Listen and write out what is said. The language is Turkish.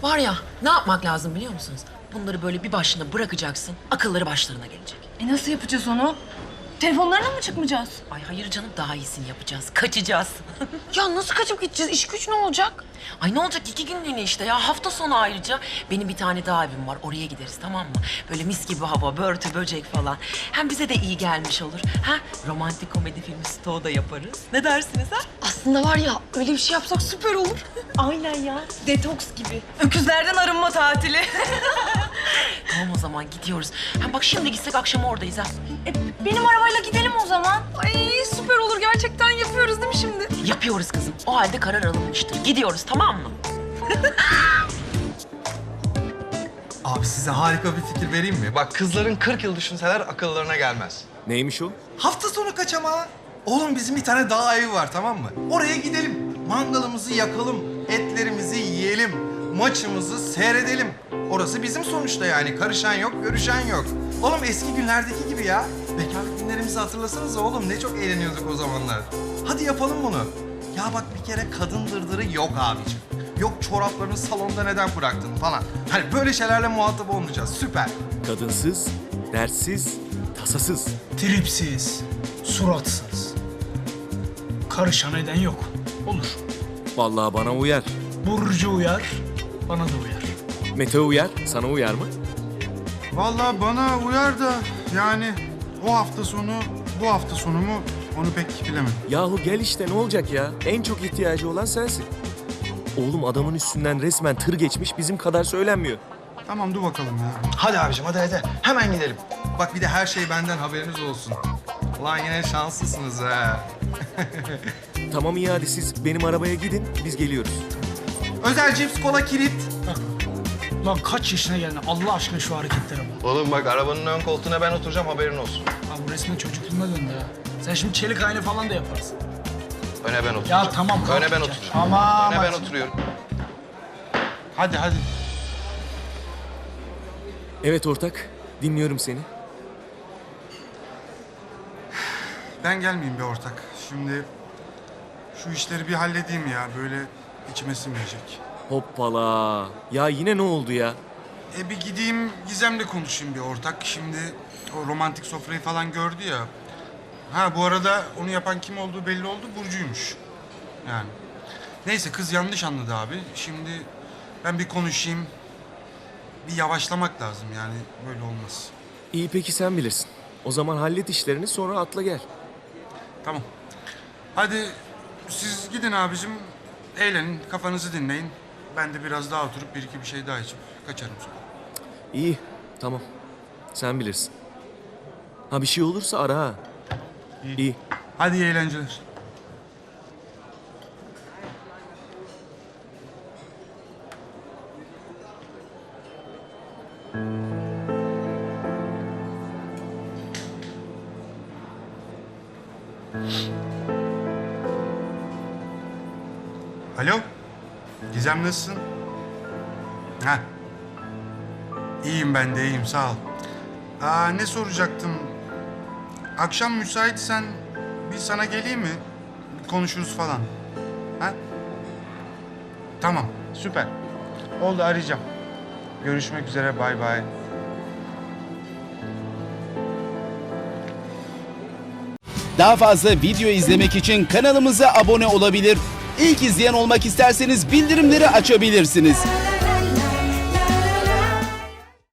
Var ya, ne yapmak lazım biliyor musunuz? Bunları böyle bir başına bırakacaksın, akılları başlarına gelecek. Nasıl yapacağız onu? Telefonlarına mı çıkmayacağız? Ay hayır canım, daha iyisini yapacağız. Kaçacağız. Ya nasıl kaçıp gideceğiz? İş güç ne olacak? Ay ne olacak, 2 günlüğüne işte ya. Hafta sonu ayrıca. Benim bir tane daha evim var. Oraya gideriz, tamam mı? Böyle mis gibi hava, börtü, böcek falan. Hem bize de iyi gelmiş olur. Ha? Romantik komedi filmi stoğu da yaparız. Ne dersiniz ha? Aslında var ya öyle bir şey yapsak süper olur. Aynen ya. Detoks gibi. Öküzlerden arınma tatili. Tamam o zaman gidiyoruz. Hem bak şimdi gitsek akşam oradayız ha. Benim arabayla gidelim o zaman. Ay süper olur. Gerçekten yapıyoruz değil mi şimdi? Yapıyoruz kızım. O halde karar alınmıştır. Gidiyoruz, tamam mı? Abi size harika bir fikir vereyim mi? Bak kızların 40 yıl düşünseler akıllarına gelmez. Neymiş o? Hafta sonu kaçamağı. Oğlum bizim bir tane dağ evi var, tamam mı? Oraya gidelim. Mangalımızı yakalım. Etlerimizi yiyelim. Maçımızı seyredelim. Orası bizim sonuçta yani. Karışan yok, görüşen yok. Oğlum eski günlerdeki gibi ya. Bekarlık günlerimizi hatırlasanıza oğlum. Ne çok eğleniyorduk o zamanlar. Hadi yapalım bunu. Ya bak bir kere kadın dırdırı yok abiciğim. Yok çoraplarını salonda neden bıraktın falan. Hani böyle şeylerle muhatap olmayacağız. Süper. Kadınsız, dertsiz, tasasız. Tripsiz, suratsız. Karışan eden yok. Olur. Vallahi bana uyar. Burcu uyar, bana da uyar. Mete uyar, sana uyar mı? Vallahi bana uyar da yani o hafta sonu bu hafta sonu mu onu pek bilemedim. Yahu gel işte, ne olacak ya? En çok ihtiyacı olan sensin. Oğlum adamın üstünden resmen tır geçmiş, bizim kadar söylenmiyor. Tamam dur bakalım ya. Hadi abicim hadi. Hemen gidelim. Bak bir de her şey benden haberiniz olsun. Ulan yine şanslısınız ha. Tamam iyi, hadi siz benim arabaya gidin, biz geliyoruz. Özel cips, kola, kilit. Lan kaç yaşına geldin Allah aşkına şu hareketlere bak. Oğlum bak arabanın ön koltuğuna ben oturacağım, haberin olsun. Ha bu resmen çocukluğuna döndü ya. Sen şimdi çelik ayna falan da yaparsın. Öne ben oturacağım. Ya tamam kalk. Öne ben gideceğim. oturacağım. Aman. Öne ben bak. oturuyorum. Hadi. Evet ortak, dinliyorum seni. Ben gelmeyeyim be ortak. Şimdi şu işleri bir halledeyim ya. Böyle içime sinmeyecek. Hoppala. Ya yine ne oldu ya? Bir gideyim Gizem'le konuşayım bir ortak. Şimdi o romantik sofrayı falan gördü ya. Ha bu arada onu yapan kim olduğu belli oldu. Burcu'ymuş. Yani. Neyse kız yanlış anladı abi. Şimdi ben bir konuşayım. Bir yavaşlamak lazım yani. Böyle olmaz. İyi peki sen bilirsin. O zaman hallet işlerini, sonra atla gel. Tamam. Hadi siz gidin abicim. Eğlenin, kafanızı dinleyin. Ben de biraz daha oturup bir iki bir şey daha içip kaçarım sonra. İyi, tamam. Sen bilirsin. Ha bir şey olursa ara ha. İyi. Hadi iyi eğlenceler. Alo. Gizem nasılsın? Ha. İyiyim ben de iyiyim sağ ol. Ne soracaktım? Akşam müsaitsen bir sana geleyim mi? Bir konuşuruz falan. Ha? Tamam süper. Oldu arayacağım. Görüşmek üzere bay bay. Daha fazla video izlemek için kanalımıza abone olabilir. İlk izleyen olmak isterseniz bildirimleri açabilirsiniz.